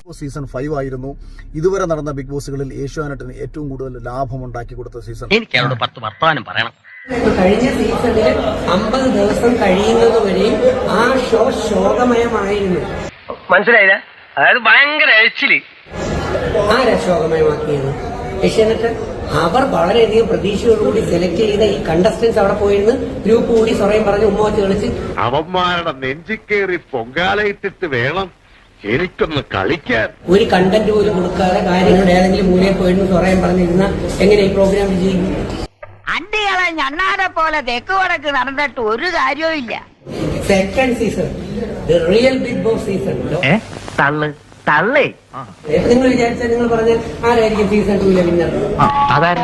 Season 5 ആയിരുന്നു ഇതുവരെ നടന്ന ബിഗ് ബോസുകളിൽ ഏഷ്യാനെറ്റിന് ഏറ്റവും കൂടുതൽ ലാഭം ഉണ്ടാക്കി കൊടുത്ത സീസൺ. എനിക്ക് അവരോട് 10 വർത്തമാനം പറയണം. കഴിഞ്ഞ സീസണിൽ 50 ദിവസം കഴിയുന്നത് വരെയും ആ ഷോ ശോകമയമായിരുന്നു. മനസ്സിലായില്ല? അതായത് ഭയങ്കര എഴിച്ചില്. ആരാ ശോകമയമാക്കിയത്? ഏഷ്യാനെറ്റ്. അവർ വളരെയധികം പ്രതീക്ഷയോടുകൂടി സെലക്ട് ചെയ്ത ഈ കണ്ടസ്റ്റൻസ് അവിടെ പോയിരുന്ന് ഗ്രൂപ്പ് കൂടി സ്വറയും പറഞ്ഞ് ഉമ്മ വെച്ച് കളിച്ച് അവന്മാരുടെ നെഞ്ചിക്കേറി പൊങ്കാലയിട്ടിട്ട് വേണം എനിക്കൊന്ന് കളിക്കാൻ. ഒരു കണ്ടന്റ് പോലും കൊടുക്കാതെ കാര്യങ്ങളുടെ ഏതെങ്കിലും മൂലയിൽ പോയിരുന്നു സ്വറയും പറഞ്ഞിരുന്ന എങ്ങനെ ഈ പ്രോഗ്രാം വിജയിക്കും? അണ്ടികളെ ഞണ്ണാരെ പോലെ തെക്ക് വടക്ക് നടന്നിട്ട് ഒരു കാര്യവും ഇല്ല. Second season, the real Bigg Boss season. തള്ളേ നിങ്ങൾ വിചാരിച്ചാൽ നിങ്ങൾ പറഞ്ഞാൽ ആരായിരിക്കും സീസൺ 2 വിന്നർ? അതാരാ?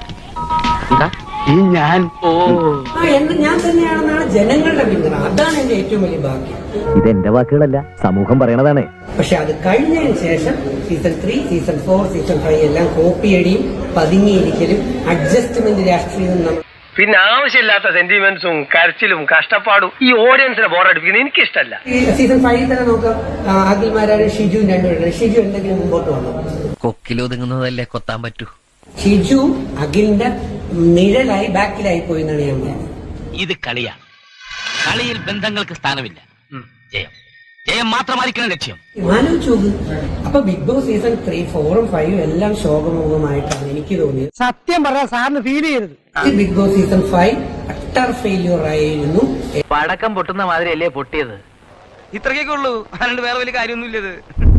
ഞാൻ എന്ന് ഞാൻ തന്നെയാണെന്നാണ് ജനങ്ങളുടെ വിന്നർ. അതാണ് എന്റെ ഏറ്റവും വലിയ ഭാഗ്യം. ഇതെന്റെ വാക്കുകളല്ല, സമൂഹം പറയണതാണ്. പക്ഷെ അത് കഴിഞ്ഞതിന് ശേഷം സീസൺ 3, സീസൺ 4, സീസൺ 5 എല്ലാം കോപ്പിയടിയും പതുങ്ങിയിരിക്കലും അഡ്ജസ്റ്റ്മെന്റ് രാഷ്ട്രീയവും നമ്മൾ. പിന്നെ ആവശ്യമില്ലാത്ത സെന്റിമെന്റ്സും കരച്ചിലും കഷ്ടപ്പാടും ഈ ഓഡിയൻസിനെ ബോറടിപ്പിക്കുന്നത് എനിക്കിഷ്ടല്ല. സീസൺ 5 തന്നെ നോക്കാം. അഖിൽമാരാരും ഷിജുവും രണ്ടുപേരും. ഷിജു എന്തെങ്കിലും മുമ്പോട്ട് വന്നു? കൊക്കിലൊതുങ്ങുന്നതല്ലേ കൊത്താൻ പറ്റൂ. ഷിജു അഖിലിന്റെ നിഴലായി ബാക്കിലായി പോയി എന്നാണ് ഞാൻ പറയുന്നത്. ഇത് കളിയാണ്. കളിയിൽ ബന്ധങ്ങൾക്ക് സ്ഥാനമില്ല. ജയം ജയം മാത്രമായിരിക്കണം ലക്ഷ്യം. ആലോചിച്ചു നോക്ക്. അപ്പൊ ബിഗ് ബോസ് സീസൺ 3, 4, 5 എല്ലാം ശോകമുഖമായിട്ടാണ് എനിക്ക് തോന്നിയത്. സത്യം പറയാൻ സാറിന് ഫീൽ ചെയ്യരുത്. Bigg Boss season 5 utter failure ആയിരുന്നു. പടക്കം പൊട്ടുന്ന മാതിരിയല്ലേ പൊട്ടിയത്? ഇത്രയൊക്കെ ഉള്ളൂ, അല്ലാണ്ട് വേറെ വലിയ കാര്യമൊന്നുമില്ലത്.